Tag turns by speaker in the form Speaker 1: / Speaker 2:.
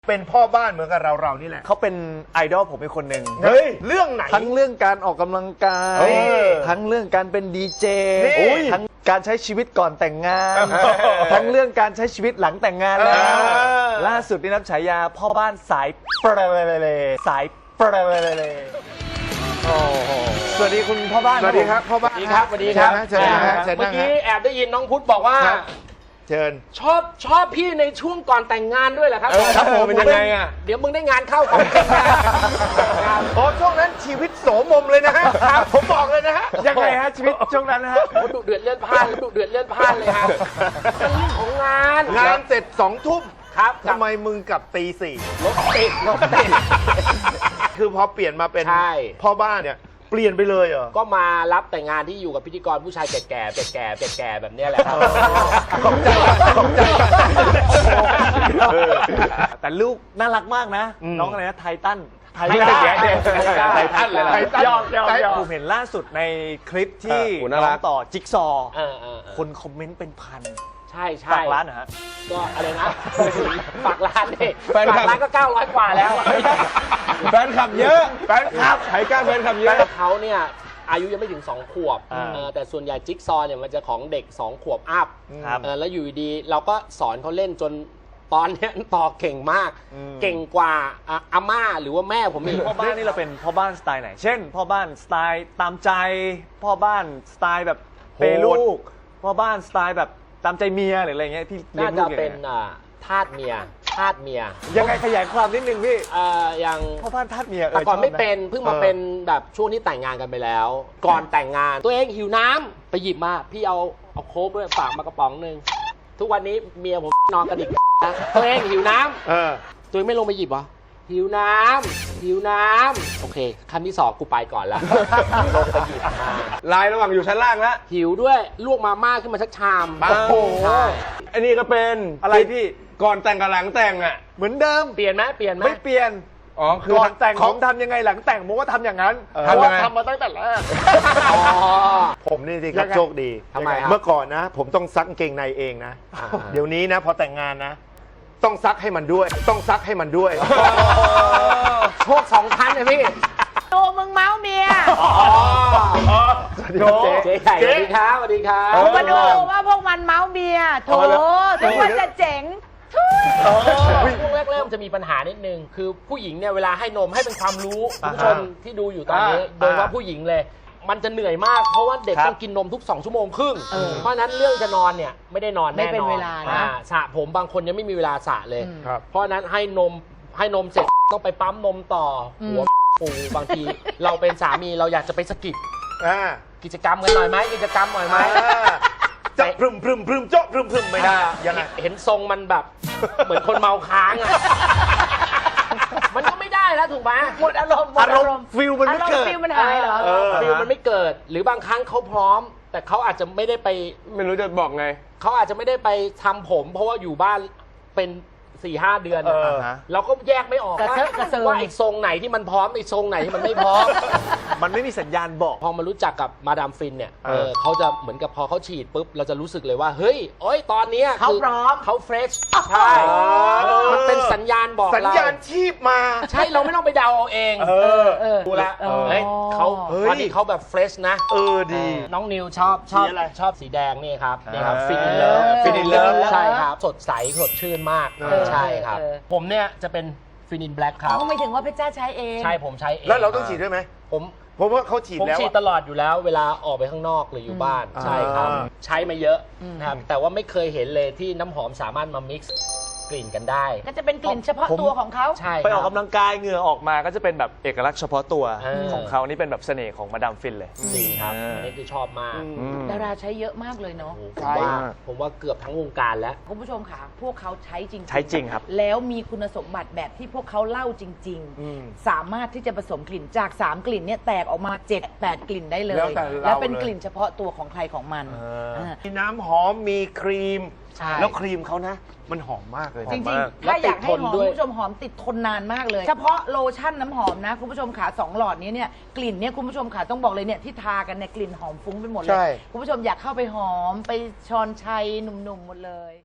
Speaker 1: เป็นพ่อบ้านเหมือนกับเรานี่แหละ
Speaker 2: เขาเป็นไอดอลผมเป็นคนหนึ่ง
Speaker 1: เฮ้ยเรื่องไหน
Speaker 2: ทั้งเรื่องการออกกำลังกายทั้งเรื่องการเป็นดีเจทั้งการใช้ชีวิตก่อนแต่งงานทั้งเรื่องการใช้ชีวิตหลังแต่งงานแล้วล่าสุดนี่รับฉายาพ่อบ้านสายเปรย์สายเปรย์สวัสดีคุณพ่อบ้าน
Speaker 1: สวัสดีครับพ่อบ้าน
Speaker 3: สวัสดีครับสวัสดีครับ
Speaker 1: เชิญนะเชิญ
Speaker 3: เมื่
Speaker 1: นะ
Speaker 3: อกี้แอบได้ยินน้องพุทธบอกว่า
Speaker 1: เชิญ
Speaker 3: ชอบพี่ในช่วงก่อนแต่งงานด้วยเหรอครับ
Speaker 1: ครับผมเป็นยังไงอ่ะ
Speaker 3: เดี๋ยวมึงได้งานเข้าก่อน
Speaker 1: โอ้ช่วงนั้นชีวิตโสมมเลยนะฮะผมบอกเลยนะฮะ
Speaker 2: ยังไงฮะชีวิตช่วงนั้นนะฮะ
Speaker 3: ดุเดือดเลื่อนพลาดดุเดือดเลื่อนพลาดเลยฮะเป็นเรื่องของงาน
Speaker 1: เสร็จ2 ทุ่ม
Speaker 3: ครับ
Speaker 1: ทำไมมึงกลับตี 4
Speaker 3: รถติด
Speaker 1: คือพอเปลี่ยนมาเป็นพ่อบ้านเนี่ยเปลี่ยนไปเลยเหรอ
Speaker 3: ก็มารับแต่งงานที่อยู่กับพิธีกรผู้ชายแก่แบบนี้แหละครับ
Speaker 1: ขอบใจ
Speaker 2: แต่ลูกน่ารักมากนะน้องอะไรนะไททัน
Speaker 3: ไททัน
Speaker 2: เลยยอดผมเห็นล่าสุดในคลิปที่น้องต่อจิ๊กซอคนคอมเมนต์เป็นพัน
Speaker 3: ใช่
Speaker 2: ฝากร้านนะฮะ
Speaker 3: ก็อะไรนะฝากร้านนี่ฝากร้านก็900 กว่าแล้ว
Speaker 1: แฟนคลับเยอะแฟนคลับไทก้าแฟนคลับเยอะ
Speaker 3: เขาเนี่ยอายุยังไม่ถึง2 ขวบแต่ส่วนใหญ่จิ๊กซอเนี่ยมันจะของเด็ก2 ขวบอัพแล้วอยู่ดีเราก็สอนเขาเล่นจนตอนนี้ต่อเก่งมากเก่งกว่าอาม่าหรือว่าแม่ผมอีก
Speaker 2: พ่อบ้านนี่เราเป็นพ่อบ้านสไตล์ไหนเช่นพ่อบ้านสไตล์ตามใจพ่อบ้านสไตล์แบบเปย์ลูกพ่อบ้านสไตล์แบบตามใจเมียหรืออะไรเงี้ยที่
Speaker 3: น่าจะเป็นทาสเมีย
Speaker 2: ยังไงขยายความนิดนึงพี่
Speaker 3: อย่าง
Speaker 2: พ่อบ้านทาสเมีย
Speaker 3: แต่ก่อนไม่เป็นเพิ่งมาเป็นแบบช่วงที่แต่งงานกันไปแล้วก่อนแต่งงานตัวเองหิวน้ำไปหยิบมาพี่เอาโค้กด้วยฝากมากระป๋องนึงทุกวันนี้เมียผมนอนกระดิกนะตัวเองหิวน้ำตัวเองไม่ลงไปหยิบวะหิวน้ำโอเคขั้นที่2กูไปก่อนแล้วลงไปหยิบมา
Speaker 1: ลายระหว่างอยู่ชั้นล่างแล้ว
Speaker 3: หิวด้วยลวกมาม่าขึ้นมาสักชาม
Speaker 1: โอ้โหอันนี้ก็เป็น
Speaker 2: อะไรพี่
Speaker 1: ก่อนแต่งกับหลังแต่งอ่ะ
Speaker 2: เหมือนเดิม
Speaker 3: เปลี่ยนไหมไม่เปลี่ยน
Speaker 2: คือก่อนแต่งผมทำยังไงหลังแต่งผมก็ทำอย่างนั้นทำมาตั้งแต่แรก
Speaker 1: ผมนี่สิครับโชคดี
Speaker 3: ทำไม
Speaker 1: เมื่อก่อนนะผมต้องซักกางเกงในเองนะเดี๋ยวนี้นะพอแต่งงานนะต้องซักให้มันด้วย
Speaker 3: โชค2 ชั้นเลยพี่
Speaker 4: โตมึงเมาเมีย
Speaker 3: เจ๊ใหญ่สวัสดีครับสวัสดีครับ
Speaker 4: ผมมาดูว่าพวกมันเมาเมียโถทุกคนจะเจ๋ง
Speaker 3: ช่วงแรกเริ่มจะมีปัญหานิดนึงคือผู้หญิงเนี่ยเวลาให้นมให้เป็นความรู้ผู้ชมที่ดูอยู่ตอนนี้โดยว่าผู้หญิงเลยมันจะเหนื่อยมากเพราะว่าเด็กต้องกินนมทุก2 ชั่วโมงครึ่งเพราะนั้นเรื่องจะนอนเนี่ยไม่ได้นอนแน่นอนไม่เป็นเวลานะสระผมบางคนยังไม่มีเวลาสระเลยเพราะนั้นให้นมเสร็จต้องไปปั๊มนมต่อหัวปูบางทีเราเป็นสามีเราอยากจะไปสกิปกิจกรรมกันหน่อยไหม
Speaker 1: จะพรึมโจ๊ะพรึมไม่ได้
Speaker 3: ยังไงเห็นทรงมันแบบเหมือนคนเมาค้างอ่ะมันก็ไม่ได้แล้วถูกไหม
Speaker 4: หมดอารมณ์
Speaker 2: ฟิลมันไม่เกิด
Speaker 4: ฟิลมันหายเหรอ
Speaker 3: ฟิลมันไม่เกิดหรือบางครั้งเขาพร้อมแต่เขาอาจจะไม่ได้ไป
Speaker 1: ไม่รู้จะบอกไง
Speaker 3: เขาอาจจะไม่ได้ไปทำผมเพราะว่าอยู่บ้านเป็น4-5 เดือนเราก็แยกไม่ออกว่าอีกทรงไหนที่มันพร้อมอีกทรงไหนที่มันไม่พร้อม
Speaker 2: มันไม่มีสัญญาณบอก
Speaker 3: พอมารู้จักกับมาดามฟินเนี่ยเขาจะเหมือนกับพอเขาฉีดปุ๊บเราจะรู้สึกเลยว่าเฮ้ยโอ๊ยตอนนี้
Speaker 4: เขาพร้อม
Speaker 3: เขาเฟรชใช่มันเป็นสัญญาณบอก
Speaker 1: สัญญาณชีพมา
Speaker 3: ใช่เราไม่ต้องไปเดาเอาเองดูละเขาตอนนี้เขาแบบเฟรชนะ
Speaker 1: ดี
Speaker 3: น้องนิวชอบสีแดงนี่ครับนี่ครับฟินเลิฟใช่ครับสดใสสดชื่นมากใช่ครับผมเนี่ยจะเป็นฟินินแบล็คครับ
Speaker 4: ไม่ถึงว่าเพชรจ้าใช้เอง
Speaker 3: ใช่ผมใช้เอง
Speaker 1: แล้วเราต้องฉีดด้วยไหมผมว่าเขาฉีดแล้ว
Speaker 3: ผมฉีดตลอดอยู่แล้วเวลาออกไปข้างนอกหรืออยู่บ้านใช่ครับใช้มาเยอะนะครับแต่ว่าไม่เคยเห็นเลยที่น้ำหอมสามารถมามิกซ์กลิ่นกันได้
Speaker 4: ก็จะเป็นกลิ่นเฉพาะตัวของเขา
Speaker 3: ใช่
Speaker 2: ไปออกกำลังกายเหงื่อออกมาก็จะเป็นแบบเอกลักษณ์เฉพาะตัวของเขานี่เป็นแบบเสน่ห์ของมาดามฟินเลย
Speaker 3: จริงครับอันนี้คือชอบมาก
Speaker 4: ดาราใช้เยอะมากเลยเนาะ
Speaker 3: ผมว่าเกือบทั้งวงการแล้ว
Speaker 4: คุณผู้ชมค่ะพวกเขาใช้จริง
Speaker 2: ครับ
Speaker 4: แล้วมีคุณสมบัติแบบที่พวกเขาเล่าจริงๆสามารถที่จะผสมกลิ่นจาก3 กลิ่นเนี่ยแตกออกมา 7-8 กลิ่นได้เลยแล้วเป็นกลิ่นเฉพาะตัวของใครของมัน
Speaker 1: มีน้ำหอมมีครีมแล้วครีมเขานะมันหอมมากเลย
Speaker 4: จริงๆถ้าอยากให้หอมคุณผู้ชมหอมติดทนนานมากเลยเฉพาะโลชั่นน้ำหอมนะคุณผู้ชมขา2 หลอดนี้เนี่ยกลิ่นเนี่ยคุณผู้ชมขาต้องบอกเลยเนี่ยที่ทากันเนี่ยกลิ่นหอมฟุ้งไปหมดเลยคุณผู้ชมอยากเข้าไปหอมไปชอนชัยหนุ่มๆหมดเลย